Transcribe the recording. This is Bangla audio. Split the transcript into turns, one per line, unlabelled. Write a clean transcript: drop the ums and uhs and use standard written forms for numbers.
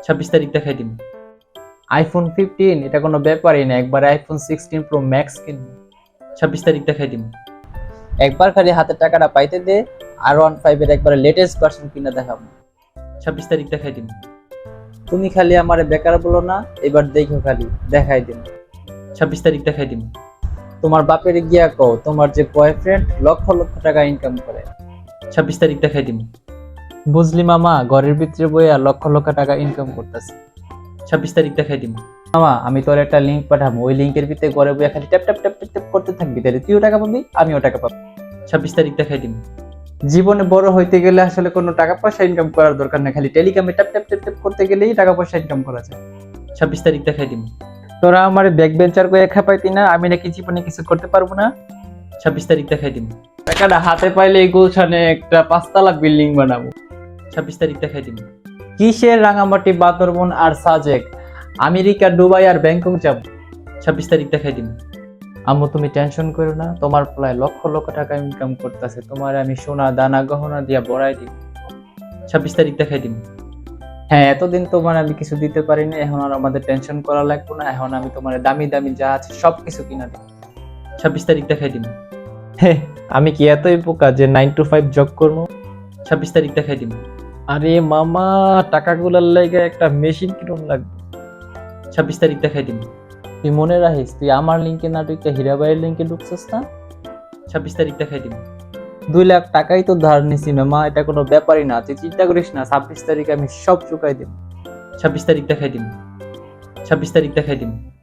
26 তারিখ দেখাই দিম।
আইফোন 15 এটা কোনো ব্যাপারই না, একবার আইফোন 16 প্রো ম্যাক্স কিনবো।
26 তারিখ দেখাই দিম।
একবার খালি হাতে টাকাটা পাইতে দে, R15 এর একবার লেটেস্ট ভার্সন কিনে দেখাবো।
26 তারিখ দেখাই দিম।
তুমি খালি আমারে বেকার বলো না, এবার দেখো খালি দেখাই দিন।
26 তারিখ দেখাই দিম।
তোমার বাপের গিয়া কও তোমার যে বয়ফ্রেন্ড লক্ষ লক্ষ টাকা ইনকাম করে।
26 তারিখ দেখাই দিম।
বুঝলি মামা, ঘরের ভিতরে বইয়া লক্ষ লক্ষ টাকা ইনকাম করতেছে।
26 তারিখ দেখাই দিম।
মামা আমি তোর একটা লিংক পাঠাবো, ওই লিংকের ভিতরে ঘরে বইয়া খালি tap tap tap tap tap করতে থাকবি, তাহলে তুইও টাকা পাবি আমিও টাকা পাবো।
26 তারিখ দেখাই দিম।
জীবনে বড় হইতে গেলে আসলে কোনো টাকা পয়সা ইনকাম করার দরকার নেই, খালি টেলিগ্রামে ট্যাপ ট্যাপ ট্যাপ ট্যাপ করতে গেলেই টাকা পয়সা ইনকাম করা যায়।
26 তারিখ দেখাই দিম।
তোরা আমার ব্যাক বেঞ্চার করে খেপাইতি না, আমি নাকি জীবনে কিছু করতে পারবো না।
26 তারিখ দেখাই দিম।
টাকাটা হাতে পাইলে এই গুলশানে একটা 5 তলা বিল্ডিং বানাবো।
26 তারিখ দেখাই দিম।
কিসের রাঙামাটি, বান্দরবন আর সাজেক, আমেরিকা, দুবাই আর ব্যাংকক যাব।
26 তারিখ দেখাই দিম।
আম্মু তুমি টেনশন করো না, তোমার প্রায় লক্ষ লক্ষ টাকা ইনকাম করতেছে, তোমার আমি সোনা দানা গহনা দিয়া বড়াই দিব।
26 তারিখ দেখাই দিম।
হ্যাঁ এতদিন তোমার আমি কিছু দিতে পারিনি, এখন আর আমাদের টেনশন করা লাগবে না, এখন আমি তোমার দামি দামি যা আছে সবকিছু কিনা দিব।
26 তারিখ দেখাই দিম।
হ্যাঁ আমি কি এতই বোকা যে 9 to 5 জব করবো?
26 তারিখ দেখাই দিম।
আরে মামা টাকাগুলার লেগে একটা মেশিন কিরম লাগবে।
26 তারিখ দেখাই দিম।
তুই মনে রাখিস, তুই আমার লিঙ্কে না ঢুকে হীরাবাইয়ের লিঙ্কে ঢুকছিস না।
26 তারিখ দেখাই দিম।
2 লাখ টাকাই তো ধার নিছি মামা, এটা কোনো ব্যাপারই না, তুই চিন্তা করিস না, 26 তারিখে আমি সব চুকাই দেব।
26 তারিখ দেখাই দিম। 26 তারিখ দেখাই দিম।